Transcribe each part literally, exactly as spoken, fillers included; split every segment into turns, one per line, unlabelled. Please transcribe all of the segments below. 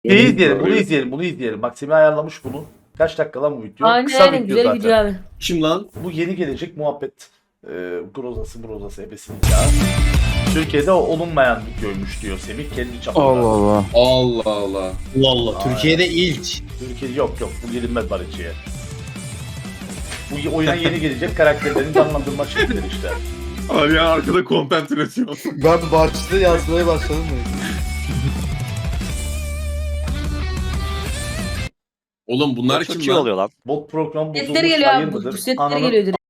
Şeyi
Evet,
izleyelim, bunu
öyle.
izleyelim, bunu izleyelim. Bak Semih ayarlamış bunu. Kaç dakika lan bu video?
Aynen
Kısa
aynen
video
güzel
zaten.
video abi.
Kim lan?
Bu yeni gelecek muhabbet. Ee, grozası grozası ebesinin ya. Türkiye'de olunmayan videoymuş diyor Semih kendi çapında.
Allah Allah.
Allah Allah.
Allah Allah. Türkiye'de ilk.
Türkiye'de yok yok bu gelinmez barışçıya. Bu oyuna yeni gelecek karakterlerin canlandırma şekilleri işte.
Abi ya arkada content üretiyor.
Ben başta yazmaya başladım mı?
Oğlum bunlar
Çok
kim
iyi
lan?
oluyor lan.
Bot program bozulmuş
Setleri geliyor
hayır
abi. Bu,
mıdır?
bu setleri
Ananı
geliyor direkt.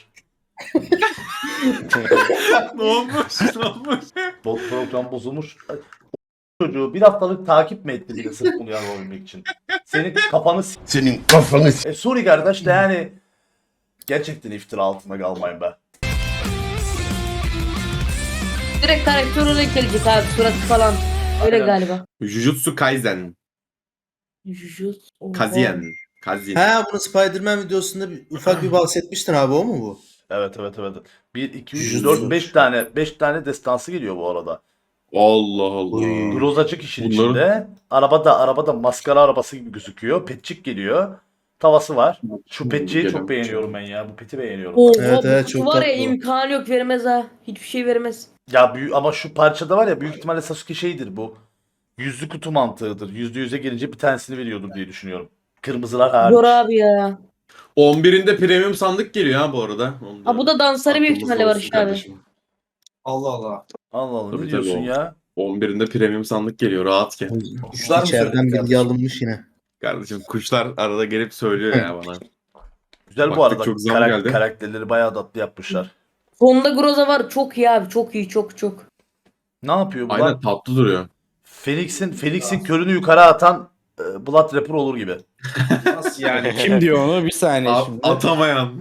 Ne olmuş? Ne olmuş?
Bot program bozulmuş. Çocuğu bir haftalık takip mi etti bile sırf bunu yapabilmek için? Senin kafanı s-
Senin kafanı
E sorry kardeş de yani gerçekten iftira altında kalmayın be.
Direkt karakter olarak gelecek abi. Suratı falan. Öyle
Aynen.
galiba.
Jujutsu Kaisen.
Jujutsu. Oha.
Kazien. Kazien.
Ha bunu Spider-Man videosunda bir, ufak bir bahsetmiştin abi, o mu bu?
Evet evet evet. bir, iki, üç,
Jujutsu.
dört, beş tane beş tane destansı geliyor bu arada.
Allah Allah.
Oy.
Grozacık işin
Bunların-
içinde. Arabada arabada maskara arabası gibi gözüküyor. Petçik geliyor. Tavası var. Şu petçiyi
Gelen
çok beğeniyorum ben ya. Bu peti beğeniyorum.
Oha,
Evet,
bu
evet,
kutu
çok
var ya
tatlı.
imkanı yok vermez ha. Hiçbir şey vermez.
Ya büyük ama şu parçada var ya büyük ihtimalle Sasuke şeydir bu. Yüzlü kutu mantığıdır. Yüzde yüze gelince bir tanesini veriyordur diye düşünüyorum. Kırmızılar hariç.
Zor abi ya.
on birinde premium sandık geliyor ha bu arada. Onu
Ha bu da dansları büyük
aklımızda
ihtimalle var
olsun
işte abi.
kardeşim.
Allah Allah.
Allah Allah
Tabii,
ne
tabii
diyorsun
o.
ya?
on birinde premium sandık geliyor rahat gel.
Kuşlar mı
İçeriden
söyledi
bilgi
kardeşim?
alınmış yine.
Kardeşim kuşlar arada gelip söylüyor ya bana.
Güzel bu
Baktık
arada.
çok zam
Karak-
geldi.
karakterleri bayağı tatlı yapmışlar.
Sonunda Groza var. Çok iyi abi. Çok iyi. Çok çok.
Ne yapıyor bu
Aynen
lan?
tatlı duruyor.
Felix'in Felix'in körünü yukarı atan e, Blood Rapper olur gibi.
Nasıl yani? Kim diyor onu? Bir saniye
A-
şimdi.
atamayan.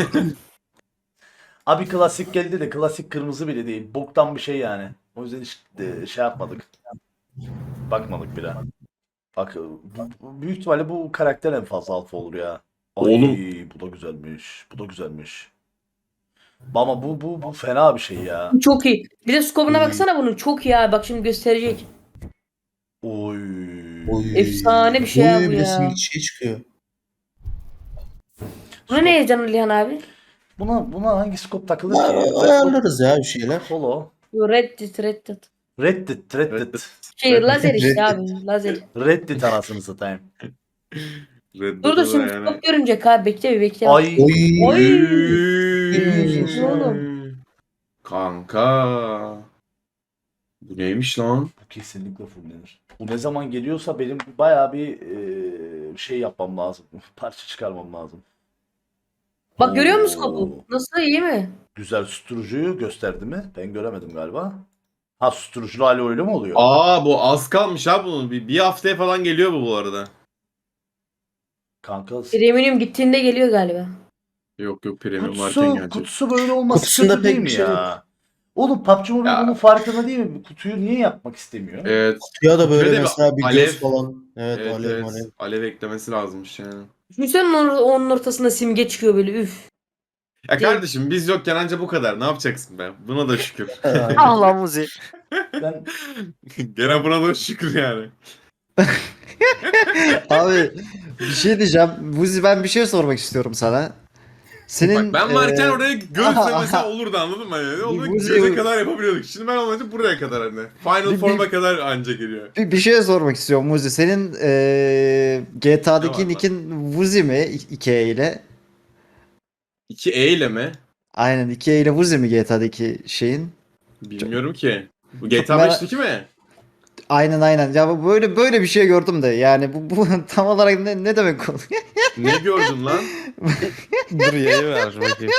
Abi klasik geldi de klasik kırmızı bile değil. Boktan bir şey yani. O yüzden hiç e, şey yapmadık. Bakmadık bile. Bak bu- bu- büyük ihtimalle bu karakter en fazla alfa olur ya. Ay,
Oğlum.
bu da güzelmiş. Bu da güzelmiş. Ama bu bu bu fena bir şey ya.
Bu çok iyi. Bir de skobuna baksana bunun. Çok iyi abi. Bak şimdi gösterecek.
Oy.
Oy.
Efsane bir şey ya
Oy,
bu
bir
ya.
resim şey çıkıyor.
Buna ne heyecanlı Lihan abi?
Buna buna hangi scope takılır ki?
Ayarlarız ya bir şeyler.
Holo.
Yo, Reddit Reddit.
Reddit, Reddit.
Reddit.
Şey lazer işte
Reddit.
abi. Lazer.
Reddit anasını satayım.
Red
Dur dur
Dead'ı
şimdi
yani.
skop görünecek abi. Bekle bir bekle.
Ay.
Oy.
Oy.
Oy.
Oğlum.
Kanka. Bu neymiş lan?
Bu kesinlikle fullenir. Bu ne zaman geliyorsa benim bayağı bir e, şey yapmam lazım. Parça çıkarmam lazım.
Bak görüyor musun
Oo.
skopu? Nasıl iyi mi?
Güzel susturucuyu gösterdi mi? Ben göremedim galiba. Ha susturuculu hali öyle mi oluyor?
Aa bu az kalmış ha bunun. Bir, bir haftaya falan geliyor bu bu arada.
Kanka
Premium gittiğinde geliyor galiba.
Yok yok premium varken
kutusu,
gelecek.
kutusu böyle olması
Kutusunda
kötü değil
pek
mi
bir şey
ya? Oğlum P U B G Mobile
Ya.
bunun farkında değil mi? Kutuyu niye yapmak istemiyor?
Evet.
Ya da böyle
Şöyle bir
mesela bir
alev-
göz falan. Evet,
Evet,
alev
evet.
alev.
Alev eklemesi lazımmış yani.
Düşünsene onun, onun ortasında simge çıkıyor böyle üf.
Ya kardeşim biz yokken anca bu kadar. Ne yapacaksın be? Buna da şükür.
Allah muzi.
Ben
Gene buna da şükür yani.
Abi bir şey diyeceğim. Buzi ben bir şey sormak istiyorum sana. Senin
Bak ben varken
e,
oraya göğüsle mesela olurdu anladın mı? Yani onu
Bu-
göze kadar yapabiliyorduk. Şimdi ben olunca buraya kadar hani. Final
Bir-
Form'a
bir-
kadar anca geliyor.
bir, bir şey sormak istiyorum Buzi. Senin e, G T
Ne
A'daki
var
nickin Buzi mi iki E ile?
iki E ile mi?
Aynen iki E ile Buzi mi G T A'daki şeyin?
Bilmiyorum ki. Bu
Çok
G T A
merak-
beşteki mi?
Aynen aynen. Ya bu- böyle böyle bir şey gördüm de yani bu, bu tam olarak ne, ne demek oluyor?
Ne gördün lan?
Dur yayı ver bakayım.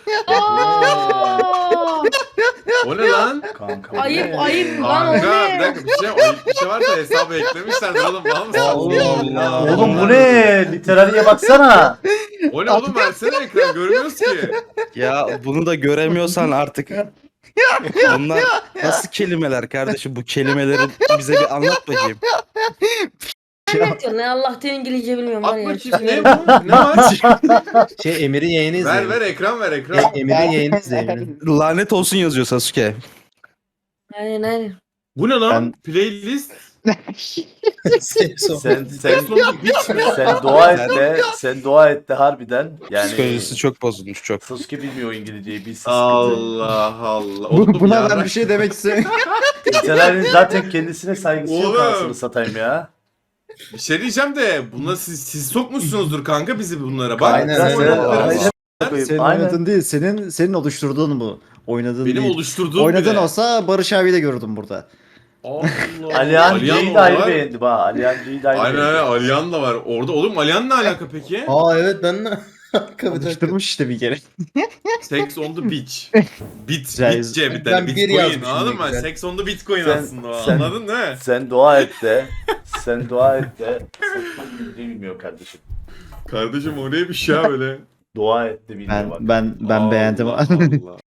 Aa!
O ne lan?
kanka.
Ayıp
ne?
ayıp lan o
Kanka bir
ne?
dakika bir şey ayıp bir şey varsa hesabı eklemişlerdir oğlum. Var mısın?
Allah Allah.
Oğlum bu ne? Literariye baksana.
O ne oğlum versene ekran görmüyoruz ki.
Ya bunu da göremiyorsan artık. Bunlar nasıl kelimeler kardeşim? Bu kelimeleri bize bir anlat bakayım.
Ne diyorsun lan? Allah'tan İngilizce bilmiyorum var
At
ya.
bakayım ne bu? Ne var?
Şey Emir'in yayını izleyin.
ver ver ekran ver ekran.
E- Emir'in yayını izleyin. Emir'in.
Lanet olsun yazıyor Sasuke.
Aynen aynen.
Bu ne lan?
Ben-
Playlist.
Sexo.
Sen sen
Sonu biç mi?
sen dua et de sen dua et de harbiden yani
Psikolojisi çok bozulmuş çok.
Sasuke bilmiyor İngilizceyi bilsin sıkıntı.
Allah Allah.
Bu,
Oğlum
buna
ya,
ben bir şey demek istiyorum.
İnternetin zaten kendisine saygısı yok
Oğlum.
anasını satayım ya.
Bir şey diyeceğim de buna siz, siz sokmuşsunuzdur kanka bizi bunlara. Bak
Aynen,
bizim
aynen.
oynadıklarımız-
Aynen.
Senin
Aynen.
oynadığın değil, senin senin oluşturduğun bu. Oynadığın
Benim
değil.
oluşturduğum
Oynadığın
bile.
olsa Barış abi de gördüm burada.
Allah.
Alihan C'yi de ayrı
var.
beğendim ha. Alihan C'yi de ayrı
Aynen aynen
beğendim.
Alihan da var. Orada oğlum Alihan ne alaka peki?
Aa evet ben de. Dakika, bir dakika.
Oluşturmuş işte bir kere.
Sex on the beach. Bit,
Güzel.
bitce bir
Ben
tane
bir
bitcoin
yazmışım
anladın
ne
mı?
güzel.
Sex on the bitcoin
Sen-
aslında o,
sen-
anladın değil mi?
Sen dua et de sen dua et de Sasuke İngilizce bilmiyor kardeşim.
Kardeşim o neymiş ya böyle?
Dua et de bilmiyor
Ben
bak.
ben ben beğendim.
Allah Allah.